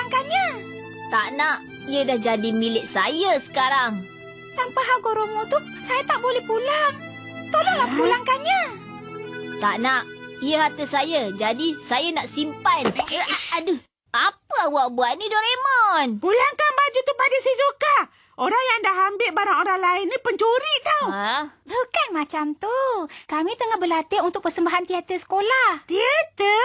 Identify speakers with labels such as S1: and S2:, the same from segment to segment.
S1: pulangkannya.
S2: Tak nak. Ia dah jadi milik saya sekarang.
S1: Tanpa Hagoromo tu, saya tak boleh pulang. Tolonglah pulangkannya.
S2: Tak nak. Ia harta saya. Jadi, saya nak simpan. Aduh. Apa awak buat ni, Doraemon?
S3: Pulangkan baju tu pada Shizuka. Orang yang dah ambil barang orang lain ni pencuri tau.
S2: Ha?
S1: Bukan macam tu. Kami tengah berlatih untuk persembahan teater sekolah.
S3: Teater?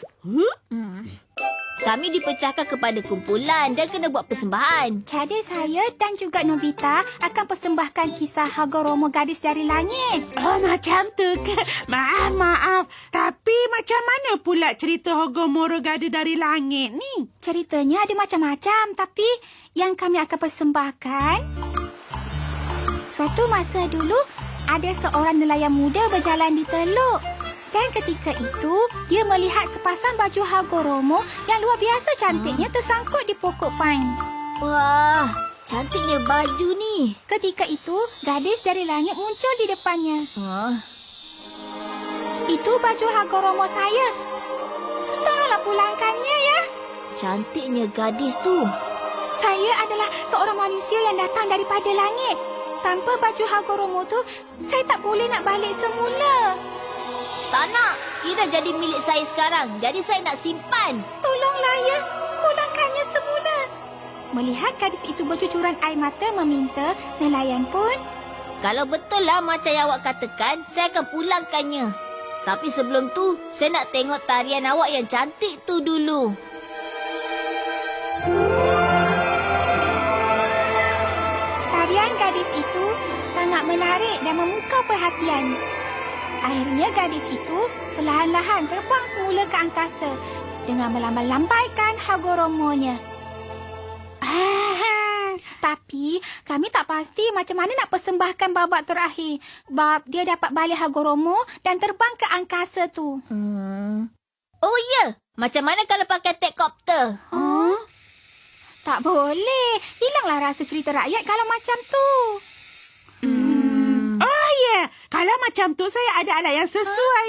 S2: Kami dipecahkan kepada kumpulan dan kena buat persembahan.
S1: Jadi saya dan juga Nobita akan persembahkan kisah Hagoromo Gadis dari Langit.
S3: Oh, macam tu ke? Maaf. Tapi macam mana pula cerita Hagoromo Gadis dari Langit ni?
S1: Ceritanya ada macam-macam, tapi yang kami akan persembahkan... Suatu masa dulu, ada seorang nelayan muda berjalan di teluk. Dan ketika itu, dia melihat sepasang baju Hagoromo yang luar biasa cantiknya tersangkut di pokok pine.
S2: Wah, cantiknya baju ni.
S1: Ketika itu, gadis dari langit muncul di depannya. Itu baju Hagoromo saya. Tolonglah pulangkannya ya.
S2: Cantiknya gadis tu.
S1: Saya adalah seorang manusia yang datang daripada langit. Tanpa baju Hagoromo tu, saya tak boleh nak balik semula.
S2: Tak nak. Ia dah jadi milik saya sekarang. Jadi saya nak simpan.
S1: Tolonglah ya. Pulangkannya semula. Melihat gadis itu bercucuran air mata meminta, nelayan pun...
S2: Kalau betul lah macam yang awak katakan, saya akan pulangkannya. Tapi sebelum tu, saya nak tengok tarian awak yang cantik tu dulu.
S1: Tarian gadis itu sangat menarik dan memukau perhatian. Akhirnya gadis itu perlahan-lahan terbang semula ke angkasa dengan melambai-lambaikan Hagoromonya. Tapi kami tak pasti macam mana nak persembahkan babak terakhir. Bab dia dapat balik Hagoromo dan terbang ke angkasa tu.
S2: Oh ya, macam mana kalau pakai tekopter?
S1: Tak boleh. Hilanglah rasa cerita rakyat kalau macam tu.
S3: Oh ya, kalau macam tu saya ada alat yang sesuai.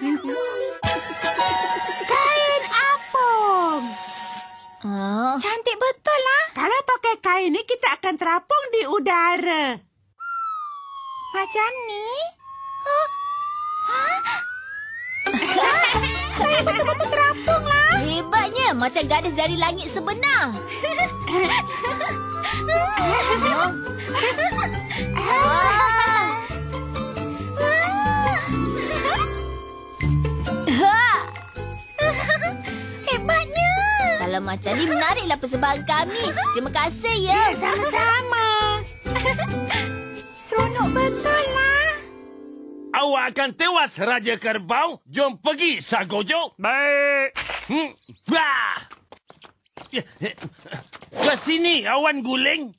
S3: Kain apung.
S1: Cantik betul lah.
S3: Kalau pakai kain ni kita akan terapung di udara.
S1: Macam ni? Saya betul-betul terapung lah.
S2: Hebatnya, macam gadis dari langit sebenar.
S1: Hebatnya.
S2: Kalau macam ni, menariklah persembahan kami. Terima kasih ya.
S3: Sama-sama.
S1: Seronok betul lah.
S4: Awak akan tewas, Raja Kerbau. Jom pergi, Sagojo.
S5: Baik.
S4: Ke sini, awan guling.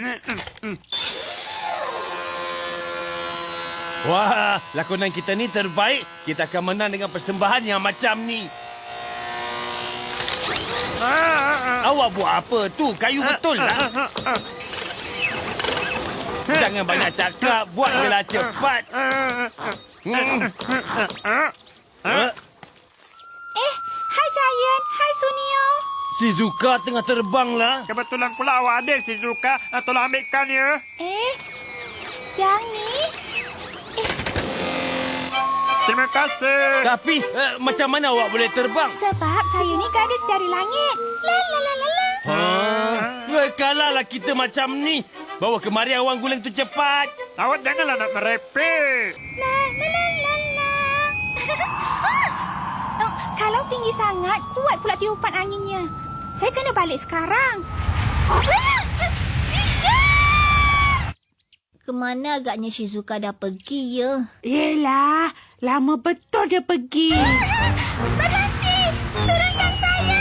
S4: Wah, lakonan kita ni terbaik. Kita akan menang dengan persembahan yang macam ni. Awak buat apa tu? Kayu betul lah. Jangan banyak cakap. Buatlah cepat.
S1: Hai Giant. Hai Sunio.
S4: Shizuka tengah terbang lah.
S5: Kebetulan pula awak ada, Shizuka. Tolong ambilkan ya.
S1: Yang ni?
S5: Terima kasih.
S4: Tapi macam mana awak boleh terbang?
S1: Sebab saya ni gadis dari langit. La la la la la.
S4: Kalahlah kita macam ni. Bawa kemari awan guling tu cepat.
S5: Awak janganlah nak merepek.
S1: La la la la la. Kalau tinggi sangat, kuat pula tiupan anginnya. Saya kena balik sekarang.
S2: Kemana agaknya Shizuka dah pergi ya?
S3: Yelah, lama betul dia pergi.
S1: Berhenti! Turunkan saya!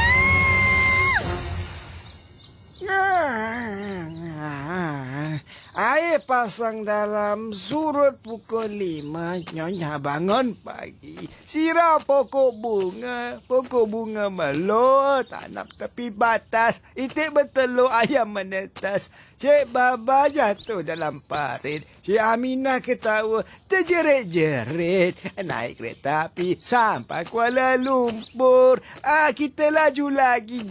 S1: Tolong!
S6: Air pasang dalam surut pukul 5. Nyonya bangun pagi. Siram pokok bunga melur. Tanam tepi batas. Itik bertelur ayam menetas. Cik Baba jatuh dalam parit. Cik Aminah ketawa terjerit-jerit. Naik kereta api sampai Kuala Lumpur. Kita laju lagi.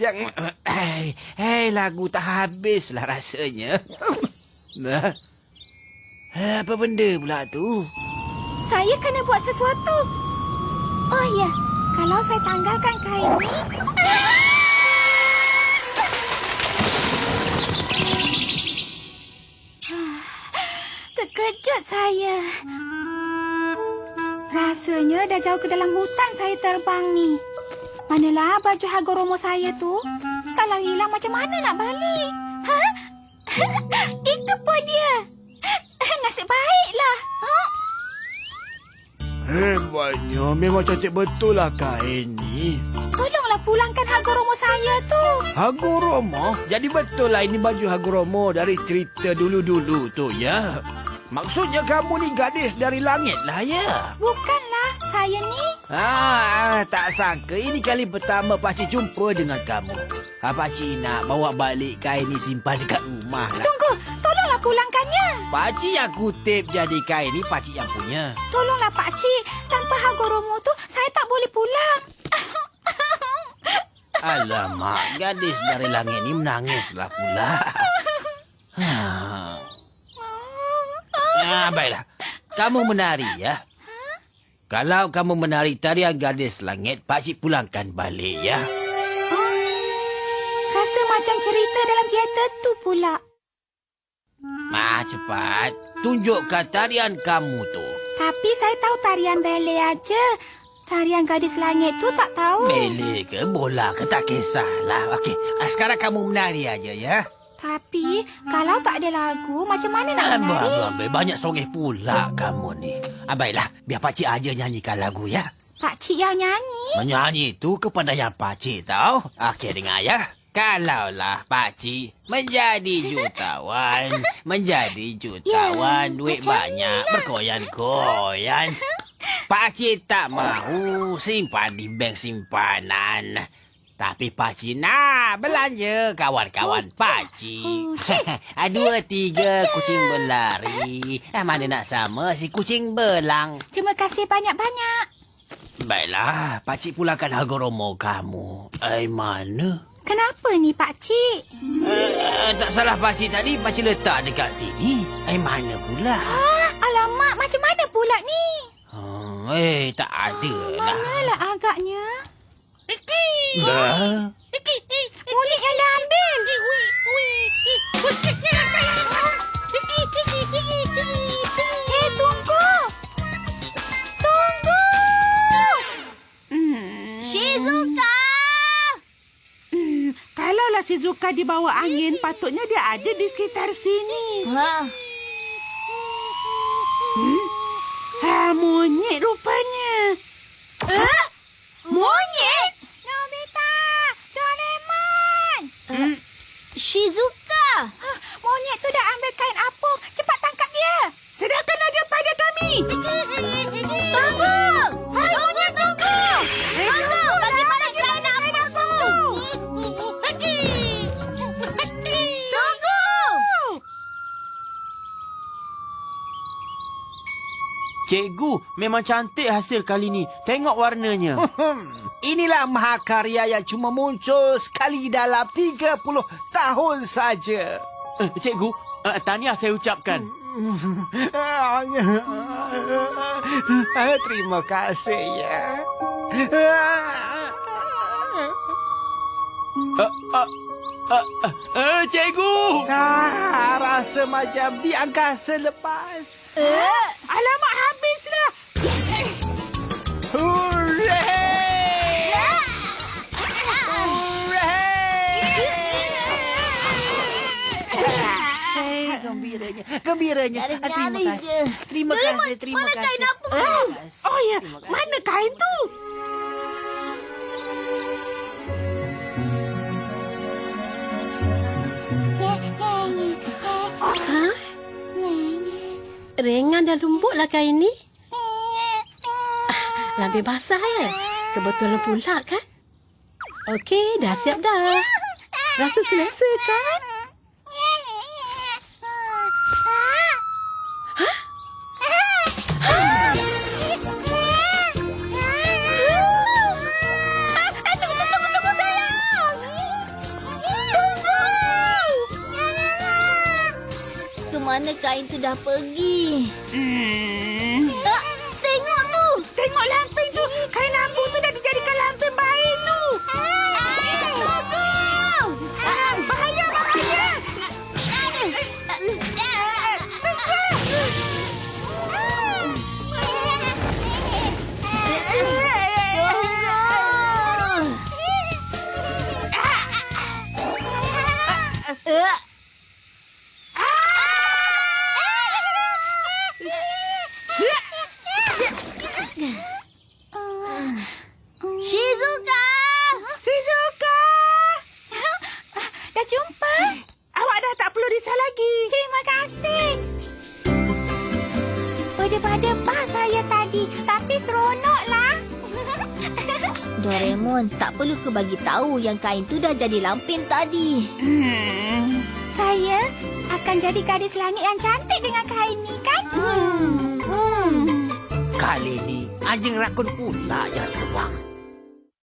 S6: Lagu tak habislah rasanya. Nah, apa benda pula tu?
S1: Saya kena buat sesuatu. Oh ya, kalau saya tanggalkan kain ni... Terkejut saya. Rasanya dah jauh ke dalam hutan saya terbang ni. Manalah baju Hagoromo saya tu? Kalau hilang macam mana nak balik? Ha? Itu pun dia. Nasib baiklah.
S6: Hebatnya, memang cantik betul lah kain ni.
S1: Tolonglah pulangkan Hagoromo saya tu.
S6: Hagoromo? Jadi betul lah ini baju Hagoromo dari cerita dulu-dulu tu, ya? Maksudnya kamu ni gadis dari langit lah, ya?
S1: Bukanlah, saya ni.
S6: Tak sangka ini kali pertama Pakcik jumpa dengan kamu. Pakcik nak bawa balik kain ni simpan dekat rumah lah.
S1: Tunggu, tolonglah pulangkannya.
S6: Pakcik yang kutip jadi kain ni Pakcik yang punya.
S1: Tolonglah Pakcik, tanpa Hagoromo tu saya tak boleh pulang.
S6: Alamak, gadis dari langit ni menangislah pula. Baiklah, kamu menari ya. Kalau kamu menari tarian gadis langit, Pakcik pulangkan balik ya.
S1: Rasa macam cerita dalam teater tu pula.
S6: Cepat, tunjukkan tarian kamu tu.
S1: Tapi saya tahu tarian ballet aja. Tarian gadis langit tu tak tahu.
S6: Ballet ke bola ke tak kisahlah. Okey, sekarang kamu menari aja ya.
S1: Tapi kalau tak ada lagu, macam mana nak menari?
S6: Banyak songeh pula kamu ni. Baiklah, biar Pakcik aja nyanyikan lagu ya.
S1: Pakcik yang nyanyi?
S6: Menyanyi tu kepandaian Pakcik tahu. Okey, dengar ya. Kalaulah Pakcik menjadi jutawan, duit banyak berkoyan-koyan. Pakcik tak mahu simpan di bank simpanan. Tapi Pakcik nak belanja kawan-kawan Pakcik. 2, 3 kucing berlari. Mana nak sama si kucing belang.
S1: Terima kasih banyak-banyak.
S6: Baiklah, Pakcik pulangkan Hagoromo kamu. Mana?
S1: Kenapa ni Pakcik?
S6: Tak salah Pakcik tadi, Pakcik letak dekat sini. Mana pula?
S1: Alamak, macam mana pula ni?
S6: Tak ada lah.
S1: Manalah agaknya?
S6: Dah.
S1: Mulik yang dah ambil. Tunggu. Tunggu.
S2: Shizuka!
S3: Kalaulah Shizuka dibawa angin, patutnya dia ada di sekitar sini. Monyet rupanya.
S1: Monyet? Nobita! Doraemon!
S2: Shizuka!
S1: Monyet tu dah ambil kain apung. Cepat tangkap dia.
S3: Serahkan aja pada kami.
S2: Tunggu! Hai, monyet tunggu! Tunggu! Bagaimana kain apungku? Tunggu!
S5: Cikgu, memang cantik hasil kali ni. Tengok warnanya.
S6: Inilah mahakarya yang cuma muncul sekali dalam 30 tahun saja.
S5: Cikgu, tahniah saya ucapkan.
S6: Terima kasih ya.
S5: Cikgu!
S6: Rasa macam di angkasa lepas.
S3: Alamak, habislah.
S6: Hooray! Gembiranya. Terima kasih.
S2: Mana kain apung?
S3: Oh ya, mana kain tu?
S7: Ringan dan lembutlah kain ni. Lampin basah ya? Kebetulan pula kan? Okey, dah siap dah. Rasa selesa kan?
S1: Tunggu sayang. Tunggu.
S2: Kemana kain tu dah pergi? Tengok tu.
S3: Tengok lampin tu. Kain lampu tu dah dijadikan lampin bayi tu. Bahaya, bahaya.
S2: Shizuka!
S3: Shizuka!
S1: Dah jumpa?
S3: Awak dah tak perlu risau lagi.
S1: Terima kasih. Berdebar-debar saya tadi, tapi seronoklah.
S2: Doraemon, tak perlu ke bagi tahu yang kain tu dah jadi lampin tadi.
S1: Saya akan jadi gadis langit yang cantik dengan kain ni, kan?
S6: Kali ni anjing rakun pula yang terbang.